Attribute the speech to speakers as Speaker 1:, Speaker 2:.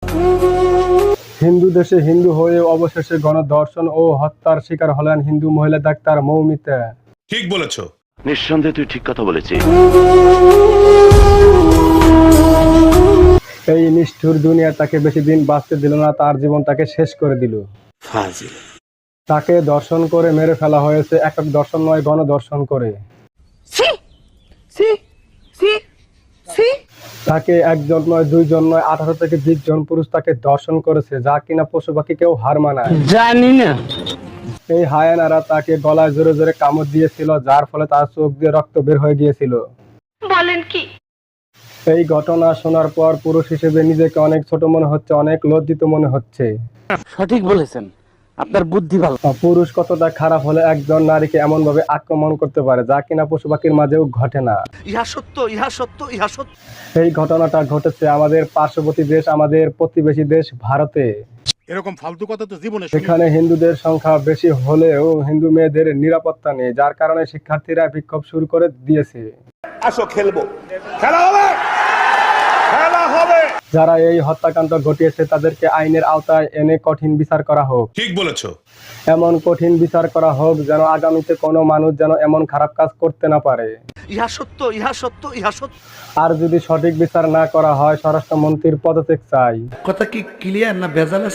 Speaker 1: হিন্দু দেশে হিন্দু হয়ে অবশেষে গণধর্ষণ ও হত্যার শিকার হলেন হিন্দু মহিলা ডাক্তার মৌমিতা।
Speaker 2: ঠিক বলেছো।
Speaker 3: নিঃসন্দেহে তুই ঠিক কথা বলেছিস।
Speaker 1: এই নিষ্ঠুর দুনিয়া তাকে বেশি দিন বাঁচতে দিল না, তার জীবনটাকে শেষ করে দিল। তাকে দর্শন করে মেরে ফেলা হয়েছে, একক দর্শন নয়, গণধর্ষণ করে। তাকে একজন নয়, দুইজন নয়, 18 থেকে 20 জন পুরুষ তাকে দর্শন করেছে, যা কিনা পশু পাখি কেউ হার মানায়।
Speaker 4: জানি না।
Speaker 1: এই হায়ানারা তাকে গলায় জোরে জোরে কামড় দিয়েছিল, যার ফলে তার চোখ দিয়ে রক্ত বের হয়ে গিয়েছিল।
Speaker 5: বলেন কি?
Speaker 1: এই ঘটনা শোনার পর পুরুষ হিসেবে নিজেকে অনেক ছোট মনে হচ্ছে, অনেক লজ্জিত মনে হচ্ছে।
Speaker 4: সঠিক বলেছেন, আপনার বুদ্ধি ভালো।
Speaker 1: পুরুষ কতটা খারাপ হলে একজন নারীকে এমন ভাবে আক্রমণ করতে পারে, যা কিনা পশু পাখির মাঝেও ঘটে না।
Speaker 4: ইহা সত্য, ইহা সত্য, ইহা সত্য।
Speaker 1: এই ঘটনাটা ঘটেছে আমাদের পার্শ্ববর্তী দেশ, আমাদের প্রতিবেশী দেশ ভারতে।
Speaker 2: এরকম ফালতু কথা তো জীবনে
Speaker 1: এখানে হিন্দুদের সংখ্যা বেশি হলেও হিন্দু মেয়েদের নিরাপত্তা নেই, যার কারণে শিক্ষার্থীরা বিক্ষোভ শুরু করে দিয়েছে।
Speaker 2: আসো খেলবো, খেলা হবে, খেলা হবে।
Speaker 1: যারা এই হত্যাকাণ্ড ঘটিয়েছে তাদেরকে আইনের আওতায় এনে কঠিন বিচার করা হোক।
Speaker 2: ঠিক বলেছো।
Speaker 1: এমন কঠিন বিচার করা হোক যেন আগামীতে কোনো মানুষ যেন এমন খারাপ কাজ করতে না পারে।
Speaker 4: ইহা সত্য, ইহা সত্য, ইহা সত্য।
Speaker 1: আর যদি সঠিক বিচার না করা হয়, স্বরাষ্ট্রমন্ত্রীর পদত্যাগ চাই।
Speaker 6: কথা কি ক্লিয়ার না ভেজাল আছে?